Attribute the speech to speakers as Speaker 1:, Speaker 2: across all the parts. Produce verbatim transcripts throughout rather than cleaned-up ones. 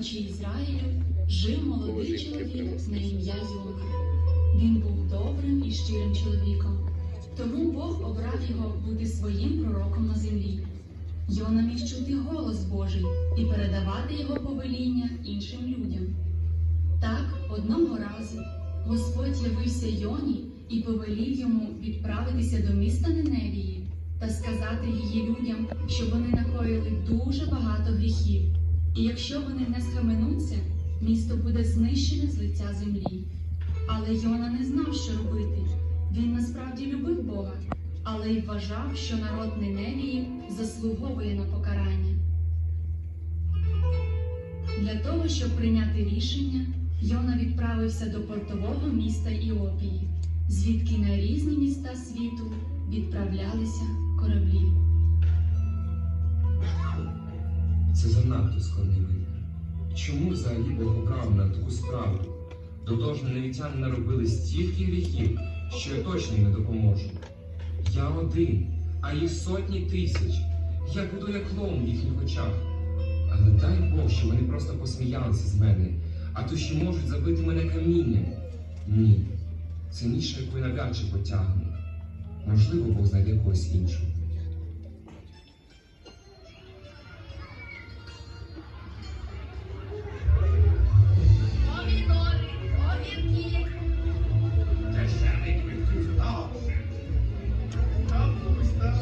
Speaker 1: півночі Ізраїлю жив молодий чоловік на ім'я Йона. Він був добрим і щирим чоловіком, тому Бог обрав його бути своїм пророком на землі. Йона міг чути голос Божий і передавати його повеління іншим людям. Так, одного разу Господь явився Йоні і повелів йому відправитися до міста Ниневії та сказати її людям, що вони накоїли дуже багато гріхів, і якщо вони не схаменуться, місто буде знищене з лиця землі. Але Йона не знав, що робити. Він насправді любив Бога, але й вважав, що народ Ниневії заслуговує на покарання. Для того, щоб прийняти рішення, Йона відправився до портового міста Іопії, звідки на різні міста світу відправлялися кораблі.
Speaker 2: Це занадто складний вибір. Чому взагалі Бог обрав на таку справу? До того ж, ниневітяни наробили стільки гріхів, що я точно їм не допоможу. Я один, а їх сотні тисяч. Я буду як клоун в їхніх очах. Але дай Бог, що вони просто посміялися з мене, а то ще можуть забити мене камінням. Ні, це ніша, яку я навряд чи потягну. Можливо, Бог знайде когось іншого.
Speaker 3: Помідори, огірки.
Speaker 4: Дешевий квитків добре. Капуста.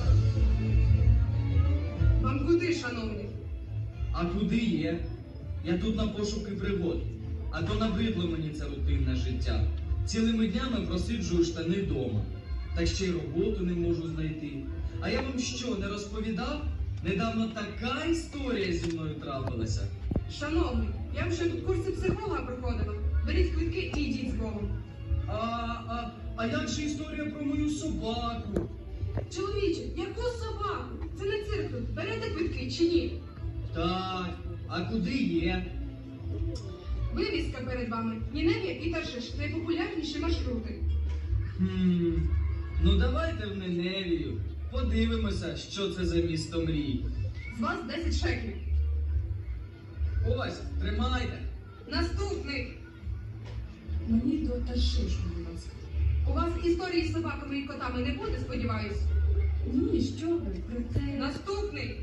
Speaker 5: Вам куди, шановний?
Speaker 6: А куди є? Я тут на пошуки пригод. А то набридло мені це рутинне життя. Цілими днями просиджую штани вдома. Так ще й роботу не можу знайти. А я вам що, не розповідав? Недавно така історія зі мною трапилася.
Speaker 5: Шановний, я вже тут курси психолога проходила. Беріть квитки і йдіть з Богом.
Speaker 6: А, а, а як же історія про мою собаку?
Speaker 5: Чоловіче, яку собаку? Це не цирк тут. Берете квитки чи ні?
Speaker 6: Так, а куди є?
Speaker 5: Вивіска перед вами. Ніневія і Таршиш – найпопулярніші маршрути.
Speaker 6: Хм, ну давайте в Ниневію. Подивимося, що це за місто мрій.
Speaker 5: З вас десять шекелів.
Speaker 6: Ось, тримайте.
Speaker 5: Наступний.
Speaker 1: Мені до Таршишу, будь ласка.
Speaker 5: У вас історії з собаками і котами не буде, сподіваюсь?
Speaker 1: Ні, що ви, проте...
Speaker 5: Наступний.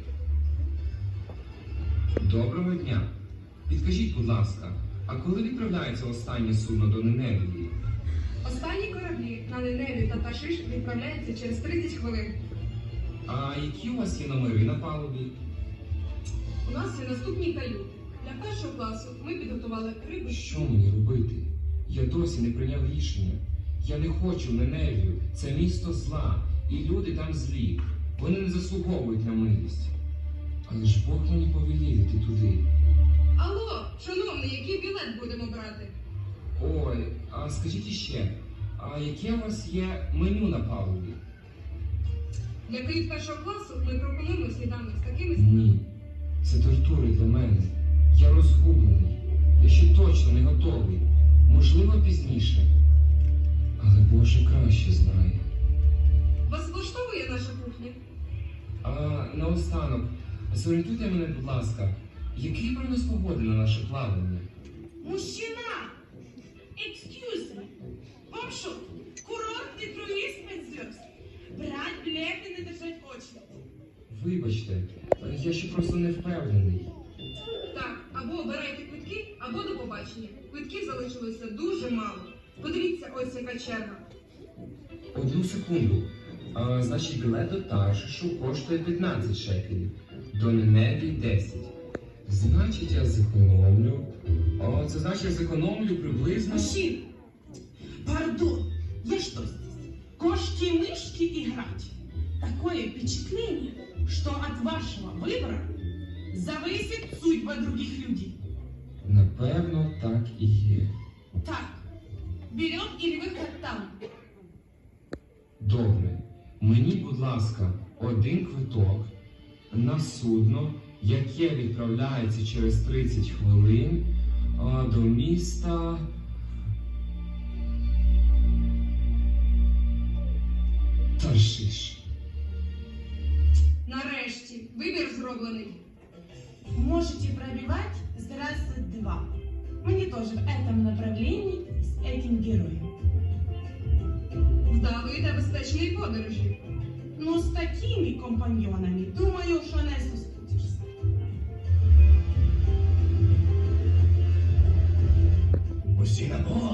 Speaker 2: Доброго дня. Підкажіть, будь ласка, а коли відправляється останнє судно до Ниневії?
Speaker 5: Останні кораблі на Ниневію та Таршиш відправляються через тридцять хвилин.
Speaker 2: А які у вас є номери на палубі?
Speaker 5: У нас є наступні каюти. Для першого класу ми підготували рибу.
Speaker 2: Що мені робити? Я досі не прийняв рішення. Я не хочу в Ниневію. Це місто зла, і люди там злі. Вони не заслуговують на милість. Але ж Бог мені повелів іти туди.
Speaker 5: Алло, шановний, який білет будемо брати?
Speaker 2: Ой, а скажіть іще, а яке у вас є меню на палубі?
Speaker 5: Для кают першого класу ми пропонуємо сніданок з такими...
Speaker 2: Ні, це тортури для мене. Я розгублений. Я ще точно не готовий. Можливо, пізніше. Але Боже краще знає.
Speaker 5: Вас влаштовує наша кухня?
Speaker 2: А наостанок, зорієнтуйте мене, будь ласка, який прогноз погоди на наше плавання?
Speaker 7: Мужчина! Excuse me! Вам що, курортний круїз п'ять зв'язд? Брать білети, не держать очі.
Speaker 2: Вибачте, я ще просто не впевнений.
Speaker 5: Так, або обирайте квитки, або до побачення. Квитків залишилося дуже мало. Подивіться, ось яка черга.
Speaker 2: Одну секунду. А, значить, білет до Таршишу коштує п'ятнадцять шекелів, до Ниневії десять. Значить, я зекономлю. О, це значить, я зекономлю приблизно...
Speaker 7: Мужчина! Пардон, я что здесь? Кошки-мышки играть? Такое впечатление, что от вашего выбора зависит судьба других людей.
Speaker 2: Напевно, так і є.
Speaker 7: Так, берем или выход там.
Speaker 2: Добре. Мені, будь ласка, один квиток на судно, яке відправляється через тридцять хвилин а, до міста... Таршиш.
Speaker 5: Нарешті, вибір зроблений.
Speaker 7: Можете пробивать. Здравствуйте, Мне тоже в этом направлении с этим героем.
Speaker 5: Вдалої та безпечної подорожі.
Speaker 7: Но с такими компаньонами, думаю, что не соскучишься.
Speaker 4: Усі на бок!